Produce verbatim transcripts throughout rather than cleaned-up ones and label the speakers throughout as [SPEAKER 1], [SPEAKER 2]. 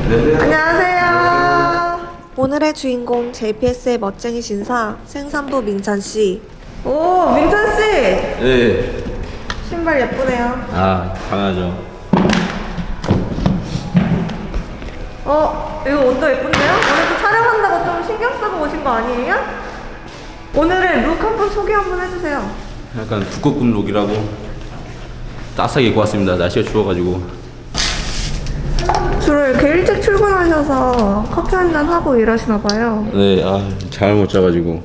[SPEAKER 1] 네.
[SPEAKER 2] 안녕하세요. 오늘의 주인공 제이피에스의 멋쟁이 신사 생산부 민찬씨. 오, 민찬씨!
[SPEAKER 1] 네.
[SPEAKER 2] 신발 예쁘네요.
[SPEAKER 1] 아, 강하죠.
[SPEAKER 2] 어, 이거 옷도 예쁜데요? 오늘도 촬영한다고 좀 신경 쓰고 오신 거 아니에요? 오늘의 룩 한번 소개 한번 해주세요.
[SPEAKER 1] 약간 북극곰 룩이라고 따스하게 입고 왔습니다. 날씨가 추워가지고.
[SPEAKER 2] 주로 이렇게 일찍 출근하셔서 커피 한잔 하고 일하시나봐요.
[SPEAKER 1] 네, 아, 잠을 못 자가지고.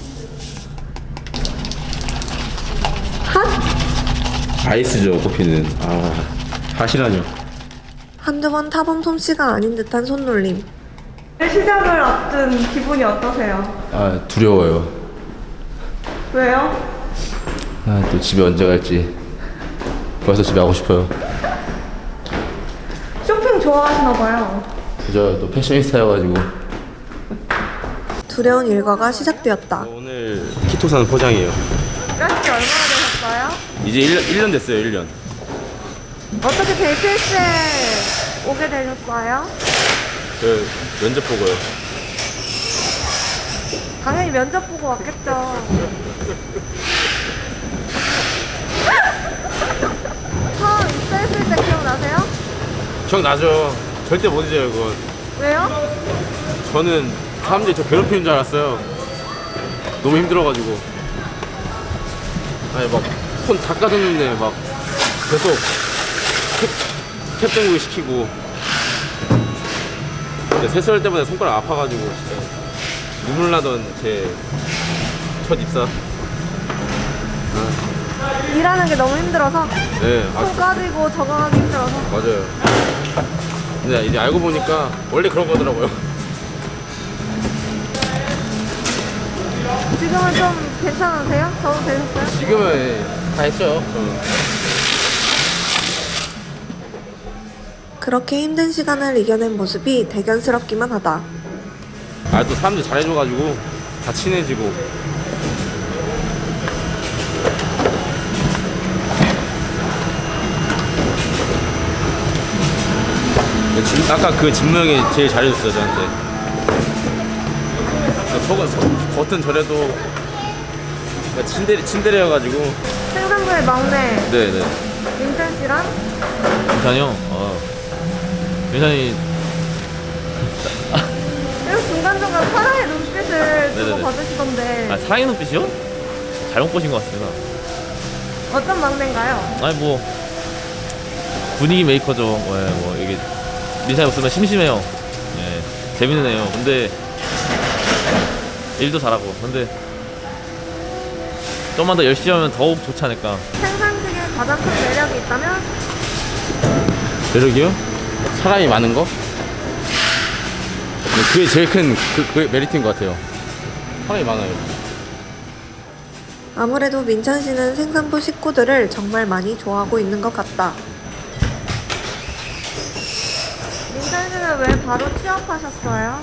[SPEAKER 2] 핫?
[SPEAKER 1] 아이스죠, 커피는. 아, 핫이라뇨.
[SPEAKER 2] 한두 번 타본 솜씨가 아닌 듯한 손놀림. 시작을 앞둔 기분이 어떠세요?
[SPEAKER 1] 아, 두려워요.
[SPEAKER 2] 왜요?
[SPEAKER 1] 아, 또 집에 언제 갈지. 벌써 집에 가고 싶어요.
[SPEAKER 2] 쇼핑 좋아하시나봐요.
[SPEAKER 1] 저 또 패셔니스타여가지고.
[SPEAKER 2] 두려운 일과가 시작되었다.
[SPEAKER 1] 오늘 키토산 포장이에요.
[SPEAKER 2] 일하신 지 얼마나 되셨어요?
[SPEAKER 1] 이제 일 년, 일 년 됐어요, 일 년.
[SPEAKER 2] 어떻게 제이피에스에 오게 되셨어요?
[SPEAKER 1] 그 면접 보고요.
[SPEAKER 2] 당연히 면접 보고 왔겠죠. 처음 입사했을 때 기억나세요?
[SPEAKER 1] 기억나죠? 절대 못 잊어요, 그건.
[SPEAKER 2] 왜요?
[SPEAKER 1] 저는 사람들이 저 괴롭히는 줄 알았어요. 너무 힘들어가지고. 아니 막 손 닦아줬는데 막 계속 캡, 캡땡구이 시키고. 근데 세수할 때마다 손가락 아파가지고 진짜 눈물 나던 제 첫 입사.
[SPEAKER 2] 일하는 게 너무 힘들어서
[SPEAKER 1] 네, 아,
[SPEAKER 2] 손 까지고 적응하기 힘들어서.
[SPEAKER 1] 맞아요. 근데 이제 알고 보니까 원래 그런 거더라고요.
[SPEAKER 2] 지금은 좀 괜찮으세요? 적응 되셨어요?
[SPEAKER 1] 지금은 다 했죠. 저는.
[SPEAKER 2] 그렇게 힘든 시간을 이겨낸 모습이 대견스럽기만 하다.
[SPEAKER 1] 아, 또 사람들 잘해줘가지고 다 친해지고. 진- 아까 그 진무 형이 제일 잘해줬어요, 저한테. 속은, 속, 겉은 저래도 친데레, 친데레여가지고.
[SPEAKER 2] 생산부의 막내
[SPEAKER 1] 네네.
[SPEAKER 2] 민찬 씨랑
[SPEAKER 3] 민찬이 형, 어. 민찬이
[SPEAKER 2] 계속 중간중간 사랑의 눈빛을 주고
[SPEAKER 3] 네네네.
[SPEAKER 2] 받으시던데
[SPEAKER 3] 아 사랑의 눈빛이요? 잘못 보신 것 같습니다.
[SPEAKER 2] 어떤 막내인가요?
[SPEAKER 3] 아니 뭐 분위기 메이커죠. 뭐, 예, 뭐 이게 민찬이 없으면 심심해요. 예, 재밌는 애요. 근데 일도 잘하고. 근데 좀만 더 열심히 하면 더욱 좋지 않을까.
[SPEAKER 2] 생산직의 가장 큰 매력이 있다면?
[SPEAKER 1] 매력이요? 사람이 많은 거? 그게 제일 큰 그, 그게 메리트인 것 같아요. 사람이 많아요.
[SPEAKER 2] 아무래도 민찬 씨는 생산부 식구들을 정말 많이 좋아하고 있는 것 같다. 민찬 씨는 왜 바로 취업하셨어요?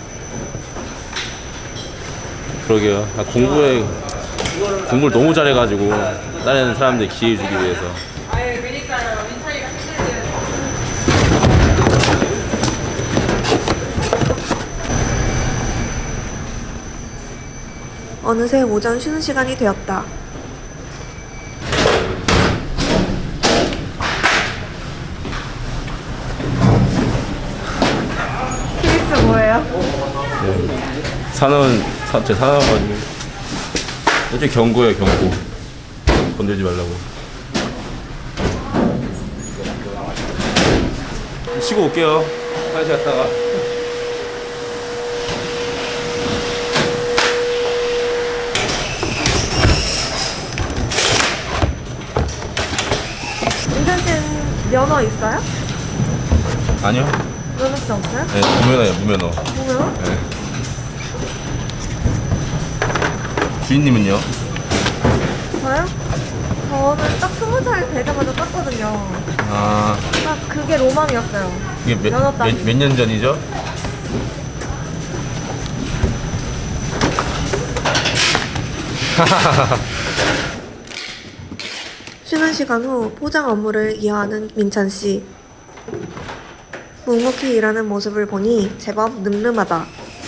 [SPEAKER 1] 그러게요. 아, 공부에 공부를 너무 잘해가지고 다른 사람들 기회 주기 위해서.
[SPEAKER 2] 어느새 오전 쉬는 시간이 되었다. 케이스 뭐예요?
[SPEAKER 1] 네. 산원 사, 제 산원 가지고 이제 경고예요, 경고. 건들지 말라고. 쉬고 올게요. 화장실 갔다가.
[SPEAKER 2] 민찬 씨는 면허 있어요?
[SPEAKER 1] 아니요.
[SPEAKER 2] 면허증 없어요?
[SPEAKER 1] 네, 무면허예요, 무면허.
[SPEAKER 2] 뭐요?
[SPEAKER 1] 네. 주인님은요?
[SPEAKER 2] 저요? 저는 딱 스무 살 되자마자 땄거든요.
[SPEAKER 1] 아,
[SPEAKER 2] 딱 그게 로망이었어요.
[SPEAKER 1] 이게 몇,
[SPEAKER 2] 면허 따기.
[SPEAKER 1] 몇, 몇 년 전이죠?
[SPEAKER 2] 쉬는 시간 후 포장 업무를 이어하는 민찬 씨. 묵묵히 일하는 모습을 보니 제법 늠름하다.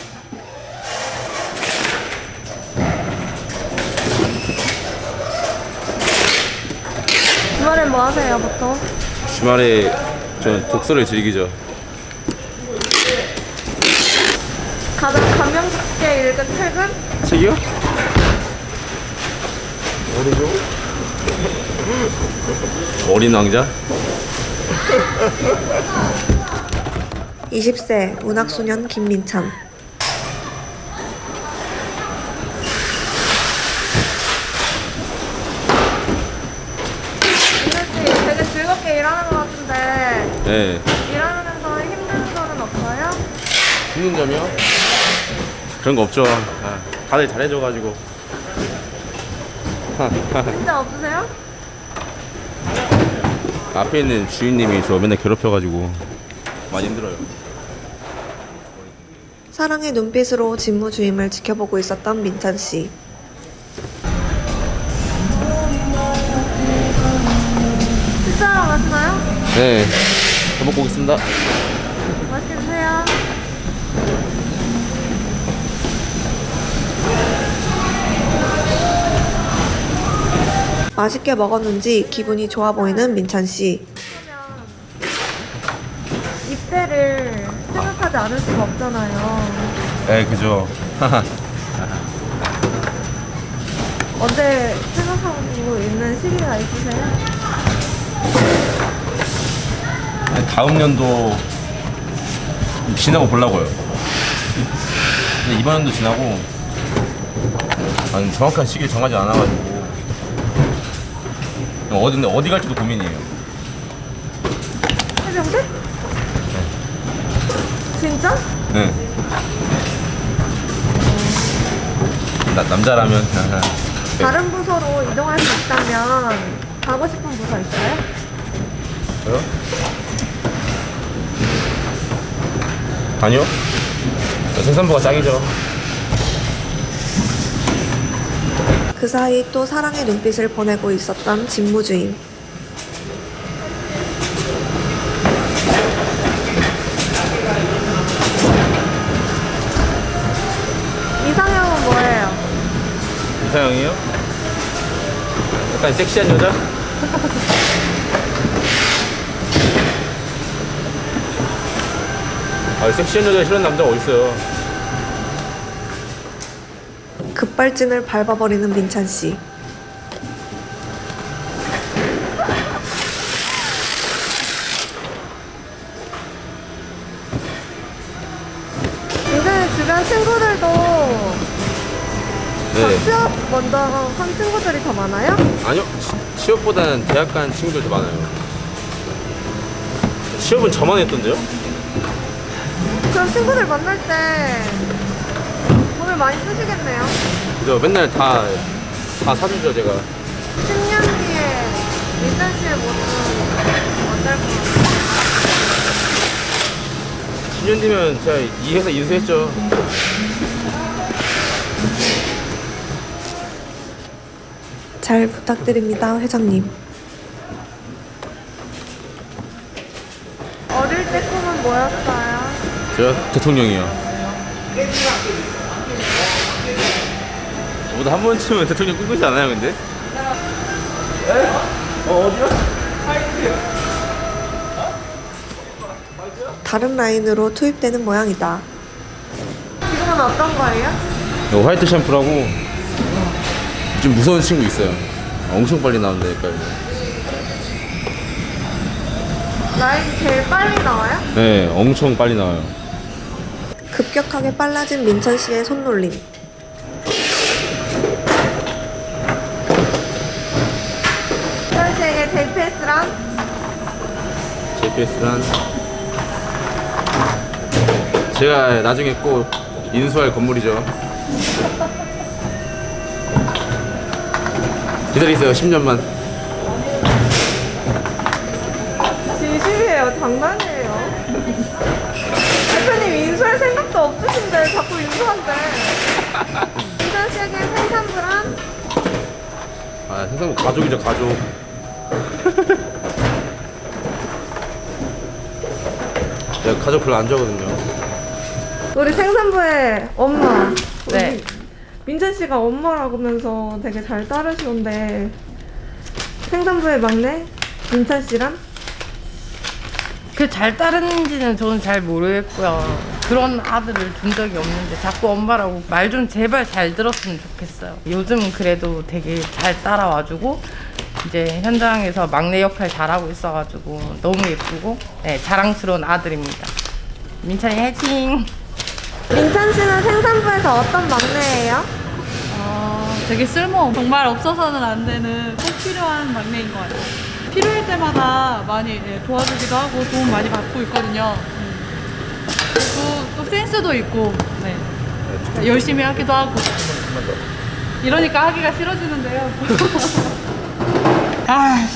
[SPEAKER 2] 주말엔 뭐 하세요, 보통?
[SPEAKER 1] 주말에 전 독서를 즐기죠.
[SPEAKER 2] 가장 감명 깊게 읽은 책은?
[SPEAKER 1] 책이요? 어디죠? 어린 왕자?
[SPEAKER 2] 이십 세 문학소년 김민찬. 민찬씨 되게 즐겁게 일하는 것 같은데
[SPEAKER 1] 네.
[SPEAKER 2] 일하면서 힘든 점은 없어요?
[SPEAKER 1] 힘든 점이요? 그런 거 없죠. 아, 다들 잘해줘가지고.
[SPEAKER 2] 진짜 없으세요?
[SPEAKER 1] 앞에 있는 주인님이 저 맨날 괴롭혀가지고 많이 힘들어요.
[SPEAKER 2] 사랑의 눈빛으로 직무주임을 지켜보고 있었던 민찬씨. 식사하러 가시나요?
[SPEAKER 1] 네. 잘 먹고 오겠습니다.
[SPEAKER 2] 맛있게 드세요. 맛있게 먹었는지 기분이 좋아 보이는 민찬씨. 입대를 생각하지 않을 수가 없잖아요.
[SPEAKER 1] 네, 그죠.
[SPEAKER 2] 언제 생각하고 있는 시기가 있으세요?
[SPEAKER 1] 다음 년도 지나고 보려고요. 근데 이번 연도 지나고 아니, 정확한 시기를 정하지 않아가지고 어디 어디 갈지도 고민이에요.
[SPEAKER 2] 해병대? 진짜?
[SPEAKER 1] 네. 나, 남자라면
[SPEAKER 2] 다른 부서로 이동할 수 있다면 가고 싶은 부서 있어요?
[SPEAKER 1] 저요? 아니요. 생산부가 짱이죠.
[SPEAKER 2] 그 사이 또 사랑의 눈빛을 보내고 있었던 직무주임. 이상형은 뭐예요?
[SPEAKER 1] 이상형이요? 약간 섹시한 여자? 아, 섹시한 여자 싫어하는 남자가 어딨어요.
[SPEAKER 2] 급발진을 밟아버리는 민찬씨. 민찬이 주변 친구들도 다
[SPEAKER 1] 네.
[SPEAKER 2] 취업 먼저 한 친구들이 더 많아요?
[SPEAKER 1] 아니요. 치- 취업보다는 대학 간 친구들 더 많아요. 취업은 저만 했던데요?
[SPEAKER 2] 그럼 친구들 만날 때 돈을 많이 쓰시겠네요.
[SPEAKER 1] 그죠? 맨날 다, 다 사주죠, 제가.
[SPEAKER 2] 십 년 뒤에 민찬 씨의 모습은 어떨 것 같아요?
[SPEAKER 1] 십 년 뒤면 제가 이 회사 인수했죠.
[SPEAKER 2] 잘 부탁드립니다, 회장님. 어릴 때 꿈은 뭐였어요?
[SPEAKER 1] 저 대통령이요. 저보다 한 번쯤은 대통령 꿈꾸지 않아요, 근데? 어, 어디요?
[SPEAKER 2] 다른 라인으로 투입되는 모양이다. 지금은 어떤 거예요?
[SPEAKER 1] 이거 화이트 샴푸라고 좀 무서운 친구 있어요. 엄청 빨리 나온다니까요.
[SPEAKER 2] 라인이 제일 빨리 나와요?
[SPEAKER 1] 네, 엄청 빨리 나와요.
[SPEAKER 2] 급격하게 빨라진 민찬 씨의 손놀림. 민찬 씨에게 제이피에스란?
[SPEAKER 1] 제이피에스란 제가 나중에 꼭 인수할 건물이죠. 기다리세요, 십 년만.
[SPEAKER 2] 진심이에요, 장난이에요. 대표님 인수할 생각도 없으신데 자꾸 인수한대. 민찬 씨에게 생산부란?
[SPEAKER 1] 아, 생산부 가족이죠, 가족. 내가 가족 별로 안 좋아하거든요.
[SPEAKER 2] 우리 생산부의 엄마.
[SPEAKER 4] 네.
[SPEAKER 2] 우리 민찬 씨가 엄마라고 하면서 되게 잘 따르시던데 생산부의 막내 민찬 씨랑
[SPEAKER 4] 그 잘 따르는지는 저는 잘 모르겠고요. 그런 아들을 둔 적이 없는데 자꾸 엄마라고 말 좀 제발 잘 들었으면 좋겠어요. 요즘은 그래도 되게 잘 따라와주고 이제 현장에서 막내 역할 잘하고 있어가지고 너무 예쁘고 네, 자랑스러운 아들입니다. 민찬이 화이팅!
[SPEAKER 2] 민찬 씨는 생산부에서 어떤 막내예요?
[SPEAKER 5] 어, 되게 쓸모 정말 없어서는 안 되는 꼭 필요한 막내인 것 같아요. 필요할 때마다 많이 예, 도와주기도 하고 도움 많이 받고 있거든요. 음. 그리고 또 센스도 있고 네. 열심히 하기도 하고 이러니까 하기가 싫어지는데요. 아,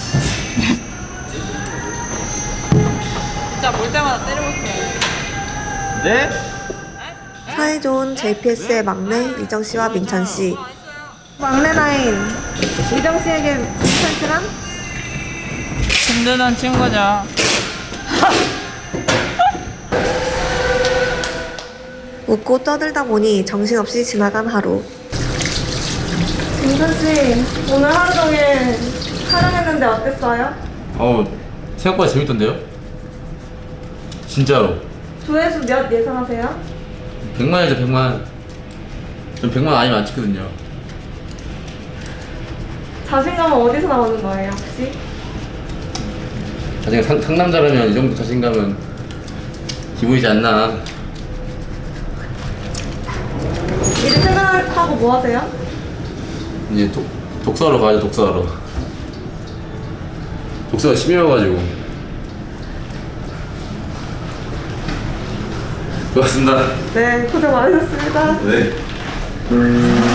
[SPEAKER 5] 진짜 볼 때마다 때리고 싶어요.
[SPEAKER 3] 네?
[SPEAKER 2] 사이좋은 제이피에스의 막내 이정 씨와 민찬 씨. 막내 나인 이정 씨에게 민찬 씨랑
[SPEAKER 5] 든든한 친구죠.
[SPEAKER 2] 웃고 떠들다 보니 정신없이 지나간 하루. 민찬 씨 오늘 하루 종일 촬영했는데 어땠어요?
[SPEAKER 1] 어 생각보다 재밌던데요? 진짜로.
[SPEAKER 2] 조회수 몇 예상하세요?
[SPEAKER 1] 백만이죠 백만. 전 백만 아니면 안 찍거든요.
[SPEAKER 2] 자신감은 어디서 나오는 거예요 혹시?
[SPEAKER 1] 자신감 상, 상남자라면 이 정도 자신감은 기본이지 않나.
[SPEAKER 2] 이제 퇴근하고 뭐 하세요?
[SPEAKER 1] 이제 독, 독서하러 가야죠. 독서하러. 독서가 취미여가지고. 고맙습니다.
[SPEAKER 2] 네 고생 많으셨습니다.
[SPEAKER 1] 네.